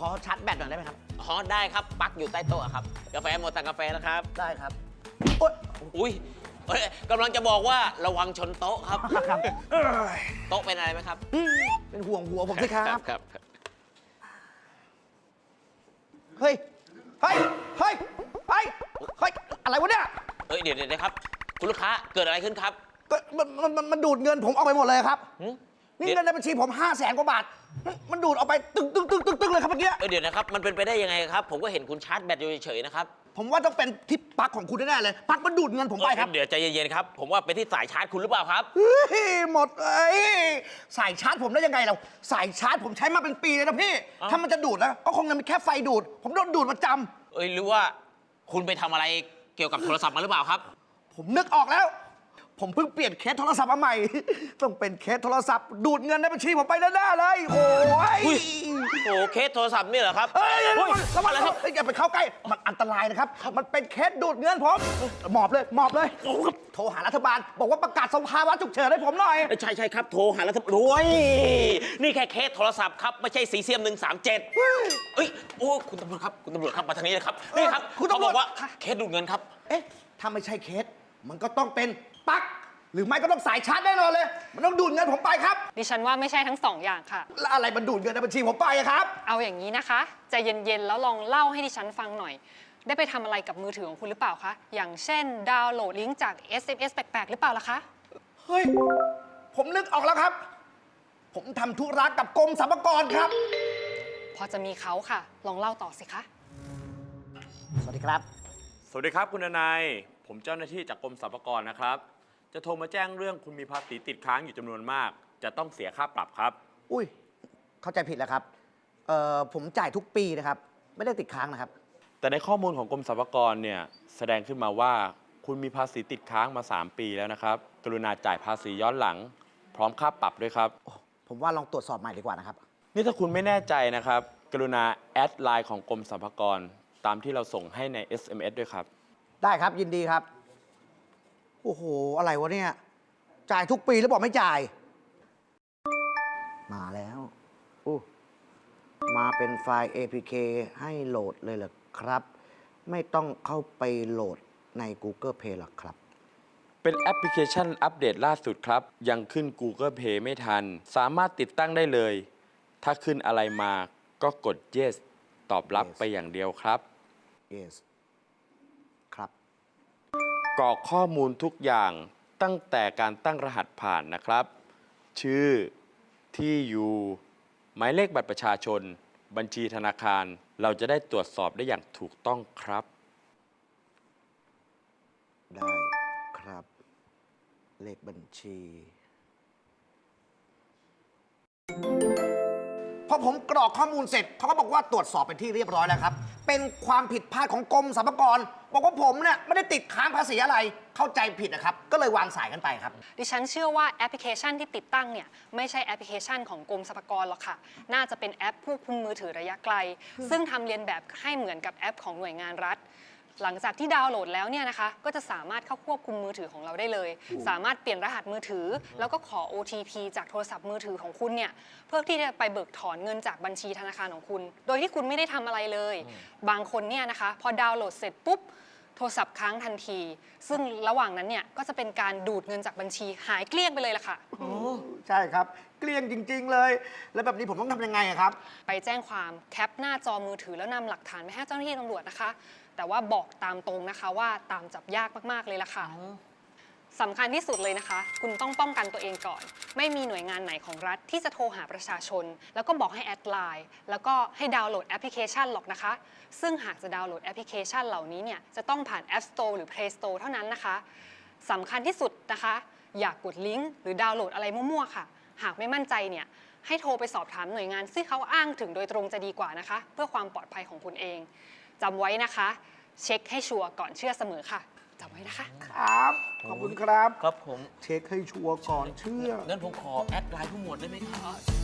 ขอชาร์จแบตหน่อยได้ไหมครับอ๋อได้ครับปลั๊กอยู่ใต้โต๊ะครับกาแฟหมดสั่งกาแฟแล้วครับได้ครับโอ๊ยอุ้ยกำลังจะบอกว่าระวังชนโต๊ะครับครับโต๊ะเป็นอะไรไหมครับเป็นห่วงหัวผมสิครับครับเฮ้ย เฮ้ย เฮ้ย เฮ้ย เฮ้ย อะไรวะเนี่ยเดี๋ยวครับคุณลูกค้าเกิดอะไรขึ้นครับก็มันดูดเงินผมออกไปหมดเลยครับหืมนี่เงินในบัญชีผม500,000 กว่าบาท มันดูดออกไปตึ้งเลยครับเมื่อกี้เดี๋ยวนะครับมันเป็นไปได้ยังไงครับ ผมก็เห็นคุณชาร์จแบตอยู่เฉยๆนะครับผมว่าต้องเป็นที่ปลั๊กของคุณแน่ๆเลย ปลั๊กมันดูดเงินผมไปครับเดี๋ยวใจเย็นๆครับผมว่าเป็นที่สายชาร์จคุณหรือเปล่าครับเฮ้ยหมดสายชาร์จผมได้ยังไงเราสายชาร์จผมใช้มาเป็นปีเลยนะพี่อ้าวถ้ามันจะดูดนะก็คงจะมีแค่ไฟดูด ผมโดนดูดประจำหรือว่าคุณไปทำอะไรเกี่ยวกับโทรศัพท์มาหรือเปล่าครับผมนึกออกแล้ว ผมเพิ่งเปลี่ยนเคสโทรศัพท์มาใหม่ ต้องเป็นเคสโทรศัพท์ ดูดเงินในบัญชีผมไปแน่ๆเลย โอ้ยอุ้ย โอ้เคสโทรศัพท์นี่เหรอครับเฮ้ยเฮ้ยระวังอะไรนะครับ อย่าไปเข้าใกล้ มันอันตรายนะครับ มันเป็นเคสดูดเงินผมหมอบเลยหมอบเลย โทรหารัฐบาล บอกว่าประกาศสภาวะฉุกเฉินให้ผมหน่อยใช่ครับโทรหาแล้วรวยนี่แค่เคสโทรศัพท์ครับไม่ใช่สีเซียม137เอ้ยโอ้คุณตำรวจครับมาทางนี้เลยครับนี่ครับคุณเขาตำรบวจอกว่าเคสดูดเงินครับเอ๊ะ ถ้าไม่ใช่เคส มันก็ต้องเป็นปลั๊ก หรือไม่ก็ต้องสายชาร์จแน่นอนเลย มันต้องดูดเงินผมไปครับดิฉันว่าไม่ใช่ทั้งสองอย่างค่ะแล้วอะไรมันดูดเงินในบัญชีผมไปอะครับเอาอย่างนี้นะคะใจเย็นๆแล้วลองเล่าให้ดิฉันฟังหน่อย ได้ไปทำอะไรกับมือถือของคุณหรือเปล่าคะ อย่างเช่นดาวน์โหลดลิงก์จาก SMS แปลกๆหรือเปล่าล่ะคะเฮ้ย ผมนึกออกแล้วครับ ผมทำธุระกับกรมสรรพากรครับพอจะมีเขาค่ะ ลองเล่าต่อสิคะสวัสดีครับสวัสดีครับคุณนายผมเจ้าหน้าที่จากกรมสรรพากรนะครับ จะโทรมาแจ้งเรื่องคุณมีภาษีติดค้างอยู่จำนวนมาก จะต้องเสียค่าปรับครับอุ้ย เข้าใจผิดแล้วครับ ผมจ่ายทุกปีนะครับ ไม่ได้ติดค้างนะครับแต่ในข้อมูลของกรมสรรพากรเนี่ยแสดงขึ้นมาว่าคุณมีภาษีติดค้างมา 3 ปีแล้วนะครับ กรุณาจ่ายภาษีย้อนหลัง พร้อมค่าปรับด้วยครับผมว่าลองตรวจสอบใหม่ดีกว่านะครับนี่ถ้าคุณไม่แน่ใจนะครับ กรุณาแอดไลน์ของกรมสรรพากรตามที่เราส่งให้ใน SMS ด้วยครับได้ครับยินดีครับ โอ้โห อะไรวะเนี่ย จ่ายทุกปีแล้วบอกไม่จ่าย มาแล้วอู้มาเป็นไฟล์ APK ให้โหลดเลยเหรอครับ ไม่ต้องเข้าไปโหลดใน Google Play หรอกครับเป็นแอปพลิเคชันอัปเดตล่าสุดครับ ยังขึ้น Google Play ไม่ทัน สามารถติดตั้งได้เลย ถ้าขึ้นอะไรมาก็กด yes ตอบรับ Yes ไปอย่างเดียวครับ yes ครับกรอกข้อมูลทุกอย่างตั้งแต่การตั้งรหัสผ่านนะครับ ชื่อที่อยู่หมายเลขบัตรประชาชน บัญชีธนาคาร เราจะได้ตรวจสอบได้อย่างถูกต้องครับได้ครับ เลขบัญชีพอผมกรอกข้อมูลเสร็จเขาก็บอกว่าตรวจสอบเป็นที่เรียบร้อยแล้วครับ เป็นความผิดพลาดของกรมสรรพากรบอกว่าผมเนี่ยไม่ได้ติดค้างภาษีอะไรเข้าใจผิดนะครับ ก็เลยวางสายกันไปครับดิฉันเชื่อว่าแอปพลิเคชันที่ติดตั้งเนี่ยไม่ใช่แอปพลิเคชันของกรมสรรพากรหรอกค่ะ น่าจะเป็นแอปควบคุมมือถือระยะไกล ซึ่งทำเรียนแบบให้เหมือนกับแอปของหน่วยงานรัฐ หลังจากที่ดาวน์โหลดแล้วเนี่ยนะคะก็จะสามารถเข้าควบคุมมือถือของเราได้เลย สามารถเปลี่ยนรหัสมือถือ แล้วก็ขอ OTP จากโทรศัพท์มือถือของคุณเนี่ยเพื่อที่จะไปเบิกถอนเงินจากบัญชีธนาคารของคุณ โดยที่คุณไม่ได้ทำอะไรเลย บางคนเนี่ยนะคะพอดาวน์โหลดเสร็จปุ๊บโทรศัพท์ค้างทันที ซึ่งระหว่างนั้นเนี่ยก็จะเป็นการดูดเงินจากบัญชีหายเกลี้ยงไปเลยล่ะค่ะใช่ครับ เกลี้ยงจริง ๆ เลย แล้วแบบนี้ผมต้องทำยังไงอะครับไปแจ้งความแคปหน้าจอมือถือแล้วนำหลักฐานไปให้เจ้าหน้าที่ตำรวจนะคะ แต่ว่าบอกตามตรงนะคะว่าตามจับยากมากๆเลยล่ะค่ะสำคัญที่สุดเลยนะคะ คุณต้องป้องกันตัวเองก่อน ไม่มีหน่วยงานไหนของรัฐที่จะโทรหาประชาชน แล้วก็บอกให้แอดไลน์แล้วก็ให้ดาวน์โหลดแอปพลิเคชันหรอกนะคะ ซึ่งหากจะดาวน์โหลดแอปพลิเคชันเหล่านี้เนี่ยจะต้องผ่าน App Store หรือ Play Store เท่านั้นนะคะสำคัญที่สุดนะคะ อย่ากกดลิงก์หรือดาวน์โหลดอะไรมั่วๆค่ะ หากไม่มั่นใจเนี่ยให้โทรไปสอบถามหน่วยงานซึ่งเขาอ้างถึงโดยตรงจะดีกว่านะคะ เพื่อความปลอดภัยของคุณเองจำไว้นะคะ เช็คให้ชัวร์ก่อนเชื่อเสมอค่ะจำไว้นะคะครับ ขอบคุณครับครับผมเช็คให้ชัวร์ก่อนเชื่องั้นผมขอแอดไลน์ผู้หมวดได้ไหมครับ